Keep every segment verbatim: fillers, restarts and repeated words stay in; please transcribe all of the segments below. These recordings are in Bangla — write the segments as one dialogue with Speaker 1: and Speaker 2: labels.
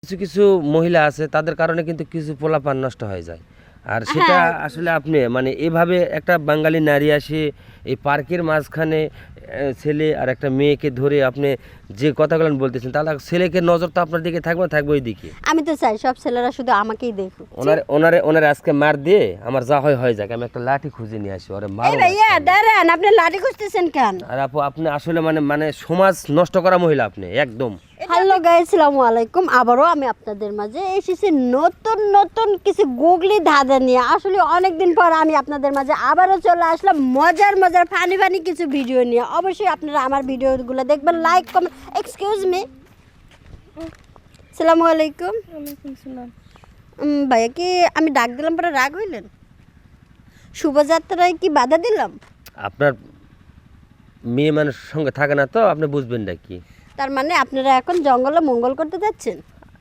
Speaker 1: কিছু কিছু মহিলা আছে তাদের কারণে কিন্তু কিছু পোলাপান নষ্ট হয়ে যায়। আর সেটা আসলে আপনি মানে এভাবে একটা বাঙালি নারী আসে এই পার্কের মাঝখানে আহ, ছেলে আর একটা মেয়েকে ধরে আপনি যে কথাগুলো বলতেছেন তাহলে ছেলেকে নজর তো আপনার দিকে থাকবে না, থাকবে ওই দিকে।
Speaker 2: আমি তো চাই সব ছেলেরা শুধু আমাকেই দেখুক।
Speaker 1: ওনার ওনারে ওনারে আজকে মার দিয়ে আমার যা হয় হয়ে যাক, আমি একটা লাঠি খুঁজে নিয়ে আসি ওরে
Speaker 2: এই
Speaker 1: মারো।
Speaker 2: ভাইয়া দাঁড়ান, আপনি লাঠি খুঁজতেছেন কেন?
Speaker 1: আর আপু আপনি আসলে মানে মানে সমাজ নষ্ট করা মহিলা আপনি একদম।
Speaker 2: হ্যালো গাইস, আসসালামু আলাইকুম। আবারও আমি আপনাদের মাঝে এসেছি নতুন নতুন কিছু গুগলি ধাঁধা নিয়ে। আসলে অনেকদিন পর আমি আপনাদের মাঝে আবারও চলে আসলাম মজার মজার ফানি ফানি কিছু ভিডিও নিয়ে। অবশ্যই আপনারা আমার ভিডিওগুলো দেখবেন, লাইক কমেন্ট। এক্সকিউজ মি, আসসালামু আলাইকুম।
Speaker 3: ওয়ালাইকুম সালাম।
Speaker 2: উম, ভাইয়া কি আমি ডাক দিলাম পরে রাগ হইলেন? শুভযাত্রায় কি বাধা দিলাম?
Speaker 1: আপনার মেয়ে মানুষের সঙ্গে থাকে না তো আপনি বুঝবেন না কি।
Speaker 2: তার মানে আপনারা এখন জঙ্গলে মঙ্গল করতে যাচ্ছেন?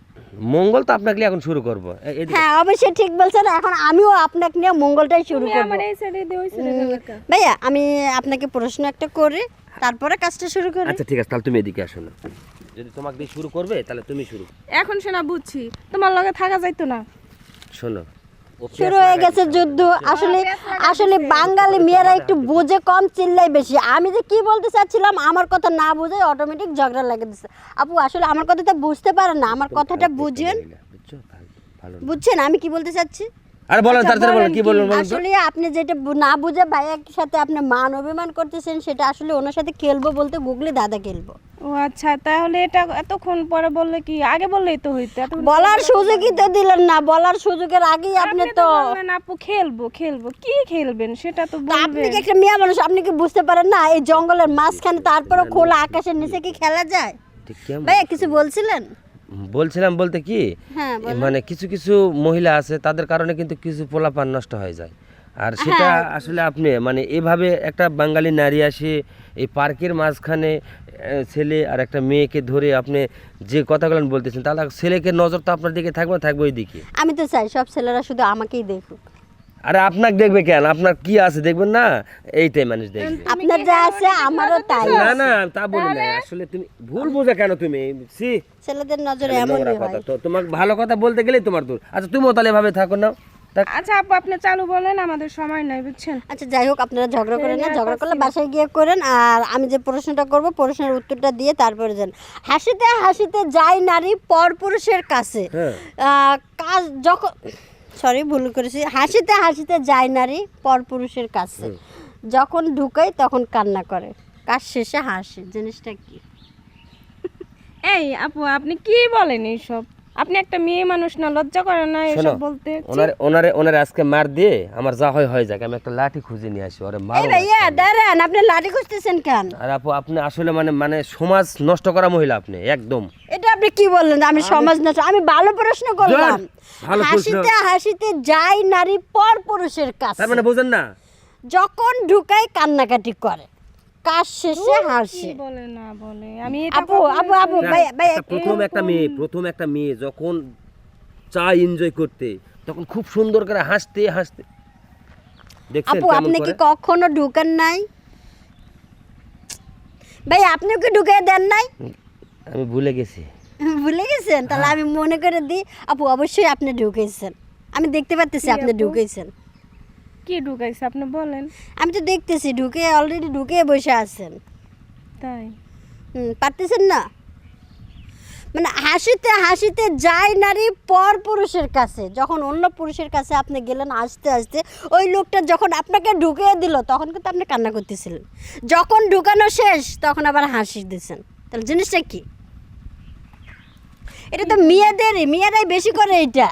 Speaker 1: মঙ্গল তো আপনাকে এখন শুরু করবো। এ- এদিকে-
Speaker 2: হ্যাঁ অবশ্যই ঠিক বলছেন। এখন আমিও আপনাকে নিয়ে মঙ্গলটাই শুরু
Speaker 3: তুমি
Speaker 2: করব।
Speaker 3: আমার এই সাইডে দিয়ে ওই সাইডে গেলে কা?
Speaker 2: ভাইয়া আমি আপনাকে প্রশ্ন একটা করে তারপরে কাজটা শুরু করি।
Speaker 1: আচ্ছা ঠিক আছে, তাহলে তুমি এদিকে আসো না। যদি তোমাকে দিয়ে শুরু করবে তাহলে তুমি শুরু
Speaker 3: এখন শোনা বুঝছি, তোমার লগে থাকা যাইতো না।
Speaker 1: শোনো। ও
Speaker 2: শুরু
Speaker 1: পেঁয়াজ
Speaker 2: হয়ে
Speaker 1: লাগাই
Speaker 2: গেছে
Speaker 1: দিছে।
Speaker 2: যুদ্ধ। আসলে আসলে বাঙালি মেয়েরা একটু বুঝে কম, চিল্লাই বেশি। আমি যে কি বলতে চাচ্ছিলাম আমার কথা না বুঝে অটোমেটিক ঝগড়া লাগে দিচ্ছে। আপু আসলে আমার কথাটা বুঝতে পারেন না, আমার কথাটা বুঝেন।
Speaker 1: বুঝছো? ভালো- ভালো না।
Speaker 2: বুঝছেন আমি কি বলতে চাচ্ছি?
Speaker 1: আরে বলেন
Speaker 2: আচ্ছা,
Speaker 1: তাড়াতাড়ি বলেন
Speaker 2: বলেন
Speaker 1: কি বলবেন বলেন তো।
Speaker 2: আসলে আপনি যেটা বু- না বুঝে ভাইয়ের সাথে আপনি মান অভিমান করতেছেন, সেটা আসলে ওনার সাথে খেলবো বলতে গুগলি দাদা খেলবো।
Speaker 3: ও আচ্ছা, তাহলে এটা এতক্ষণ পরে বললে কি আগে বললেই তো হইতো। এতক্ষণ
Speaker 2: বলার সুযোগই তো দিলেন না, বলার সুযোগের আগেই আপনি
Speaker 3: আপনি
Speaker 2: তো
Speaker 3: তো বললেন আপু খেলবো খেলবো, কি খেলবেন সেটা তো
Speaker 2: তা আপনি
Speaker 3: বলবেন।
Speaker 2: কি একটা মেয়ে মানুষ, আপনি কি বুঝতে পারেন না এই জঙ্গলের মাঝখানে তারপরে খোলা আকাশের নিচে কি খেলা যায়?
Speaker 1: ঠিক কেমন?
Speaker 2: ভাইয়া কিছু বলছিলেন?
Speaker 1: বলছিলাম বলতে কি
Speaker 2: হ্যাঁ
Speaker 1: এ
Speaker 2: বলেন।
Speaker 1: মানে কিছু কিছু মহিলা আছে তাদের কারণে কিন্তু কিছু পোলাপান নষ্ট হয়ে যায়। আর সেটা
Speaker 2: হ্যাঁ।
Speaker 1: আসলে আপনি মানে এভাবে একটা বাঙালি নারী আসে এই পার্কের মাঝখানে আহ, ছেলে আর একটা মেয়েকে ধরে আপনি যে কথাগুলো বলতেছেন তাহলে ছেলেকে নজর তো আপনার দিকে থাকবে না, থাকবে ওই দিকে।
Speaker 2: আমি তো চাই সব ছেলেরা শুধু আমাকেই দেখুক।
Speaker 1: আরে আপনাকে দেখবে কেন? আপনার কি আছে দেখবেন না, এইটাই মানুষ দেখবে।
Speaker 2: আপনার যা আছে আমারও তাই
Speaker 1: না
Speaker 2: আছে।
Speaker 1: না তা বলি না, আসলে তুমি ভুল বোঝা কেন তুমি? সি
Speaker 2: ছেলেদের নজরে
Speaker 1: নোংরা
Speaker 2: এমনই
Speaker 1: কথা
Speaker 2: হয়।
Speaker 1: তো, তোমাকে ভালো কথা বলতে গেলেই তোমার দূর। আচ্ছা তুমিও তাহলে এভাবে থাকো না। থাক-
Speaker 3: আচ্ছা আপু আপনি চালু বলেন, আমাদের সময় নাই বুঝছেন।
Speaker 2: আচ্ছা যাই হোক, আপনারা ঝগড়া করেন না, ঝগড়া করলে বাসায় গিয়ে করেন। আর আমি যে প্রশ্নটা করব প্রশ্নের উত্তরটা দিয়ে তারপরে যান। হাসিতে হাসিতে যায় নারী পরপুরুষের কাছে।
Speaker 1: হ্যাঁ।
Speaker 2: আহ, কাজ যখন সরি ভুল করেছি। হাসিতে হাসিতে যায় নারী পরপুরুষের কাছে, যখন ঢুকাই তখন কান্না করে, কাজ শেষে হাসে। জিনিসটা কি?
Speaker 3: এই আপু আপনি কি বলেন এইসব? আপনি একটা মেয়ে মানুষ না, লজ্জা করে না
Speaker 1: শোনো,
Speaker 3: এসব বলতে?
Speaker 1: ওনারে ওনারে ওনারে আজকে মার দিয়ে আমার যা হয় হয়ে যাক, আমি একটা লাঠি খুঁজে নিয়ে আসি ওরে মারো।
Speaker 2: এই ভাইয়া দাঁড়ান, আপনি লাঠি খুঁজতেছেন কেন?
Speaker 1: আর আপু আপনি আসলে মানে মানে সমাজ নষ্ট করা মহিলা আপনি একদম।
Speaker 2: এটা আপনি কি বললেন? আমি সমাজ নষ্ট? আমি ভালো প্রশ্ন করলাম।
Speaker 1: ভালো প্রশ্ন।
Speaker 2: হাসিতে হাসিতে যায় নারী পর পুরুষের কাছে,
Speaker 1: তার মানে বোঝেন না?
Speaker 2: যখন ঢুকায় কান্নাকাটি করে, কাজ শেষে হাসে।
Speaker 3: কি বলে না বলে আমি এটা
Speaker 2: আপু
Speaker 3: কখনোই
Speaker 2: আপু আপু
Speaker 3: শুনিনি।
Speaker 2: ভাই ভাই
Speaker 1: একটা প্রথম একটা মেয়ে প্রথম একটা মেয়ে যখন চায় এনজয় করতে তখন খুব সুন্দর করে হাসতে হাসতে দেখছেন
Speaker 2: আপু
Speaker 1: কেমন
Speaker 2: আপনি কি
Speaker 1: করে?
Speaker 2: কখনো ঢুকান নাই? ভাই আপনি কি ঢুকাই দেন নাই?
Speaker 1: আমি ভুলে গেছি।
Speaker 2: ভুলে গেছেন? তাহলে আমি মনে করে দিই আপু অবশ্যই আপনি ঢুকেছেন। আমি দেখতে পাচ্তেছি
Speaker 3: কি
Speaker 2: আপনি
Speaker 3: আপু?
Speaker 2: ঢুকেছেন।
Speaker 3: কি ঢুকাইছে আপনি বলেন।
Speaker 2: আমি তো দেখতেছি ঢুকে অলরেডি ঢুকে বসে আছেন।
Speaker 3: তাই
Speaker 2: হুম, পারতেছেন না? মানে হাসিতে হাসিতে যায় নারী পর পুরুষের কাছে, যখন অন্য পুরুষের কাছে আপনি গেলেন হাসতে হাসতে, ওই লোকটা যখন আপনাকে ঢুকিয়ে দিল তখন কিন্তু আপনি কান্না করতেছিলেন, যখন ঢুকানো শেষ তখন আবার হাসি দিচ্ছেন। তাহলে জিনিসটা কি? এটা তো মেয়েদেরই, মেয়েরাই বেশি করে এটা।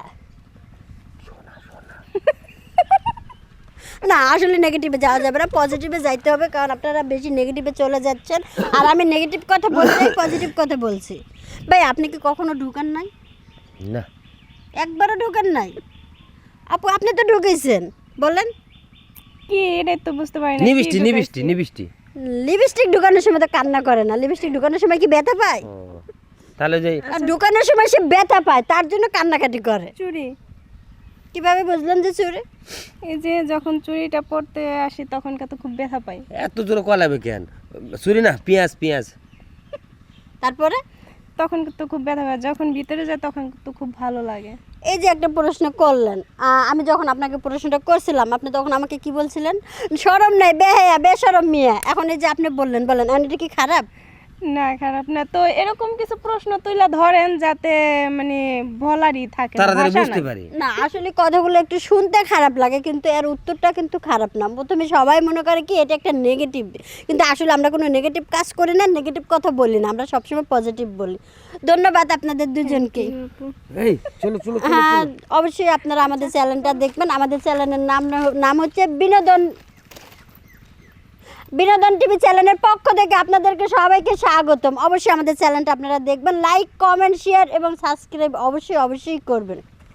Speaker 2: না আসলে নেগেটিভে যাওয়া যাবে না, পজিটিভে যাইতে হবে, কারণ আপনারা বেশি নেগেটিভে চলে যাচ্ছেন। আর আমি নেগেটিভ কথা বলছি, পজিটিভ কথা বলছি। ভাই আপনি কি কখনো ঢুকান নাই?
Speaker 1: না
Speaker 2: একবারও ঢুকান নাই? আপু আপনি তো ঢুকেছেন, বলেন।
Speaker 3: কি এটাই তো বুঝতে পারি না। কি
Speaker 1: নিবিষ্টি
Speaker 3: ঢুকাইছে?
Speaker 1: নিবিষ্টি নিবিষ্টি
Speaker 2: লিপস্টিক ঢুকানোর সময় তো কান্না করে না, লিপস্টিক ঢুকানোর সময় কি ব্যথা পায়?
Speaker 1: ও, তাহলে যে
Speaker 2: আর ঢুকানোর সময় সে ব্যথা পায়, তার জন্য কান্নাকাটি করে।
Speaker 3: চুরি,
Speaker 2: কিভাবে বুঝলেন যে চুরি?
Speaker 3: এই যে যখন চুরিটা পড়তে আসি তখন কত খুব ব্যথা পাই।
Speaker 1: এত জোরে কলাবে কেন? চুরি না, পেঁয়াজ পেঁয়াজ।
Speaker 2: তারপরে
Speaker 3: তখন তো খুব ব্যথা হয়, যখন ভিতরে যায় তখন তো খুব ভালো লাগে।
Speaker 2: এই যে একটা প্রশ্ন করলেন, আহ, আমি যখন আপনাকে প্রশ্নটা করছিলাম আপনি তখন আমাকে কি বলছিলেন? শরম নাই, বেহায়া, বেশরম মেয়ে। এখন এই যে আপনি বললেন বলেন এখন এটা কি খারাপ?
Speaker 3: না খারাপ না, তো এরকম কিছু প্রশ্ন তুইলা ধরেন যাতে মানে বলারই থাকে না,
Speaker 1: তাড়াতাড়ি
Speaker 3: ভাষা
Speaker 1: বুঝতে
Speaker 3: নাই।
Speaker 1: পারি।
Speaker 2: না আসলে কথাগুলো একটু শুনতে খারাপ লাগে কিন্তু এর উত্তরটা কিন্তু খারাপ না। প্রথমে সবাই মনে করে কি এটা একটা নেগেটিভ, কিন্তু আসলে আমরা কোনো নেগেটিভ কাজ করি না, নেগেটিভ কথা বলি না, আমরা সবসময় পজিটিভ বলি। ধন্যবাদ আপনাদের দুজনকে।
Speaker 1: এই চলো চলো চলো
Speaker 2: হ্যাঁ অবশ্যই আপনারা আমাদের চ্যানেলটা দেখবেন। আমাদের চ্যানেলের নাম নাম হচ্ছে বিনোদন বিনোদন টিভি চ্যানেলের পক্ষ থেকে আপনাদেরকে সবাইকে স্বাগতম। অবশ্যই আমাদের চ্যানেলটা আপনারা দেখবেন, লাইক কমেন্ট শেয়ার এবং সাবস্ক্রাইব অবশ্যই অবশ্যই করবেন।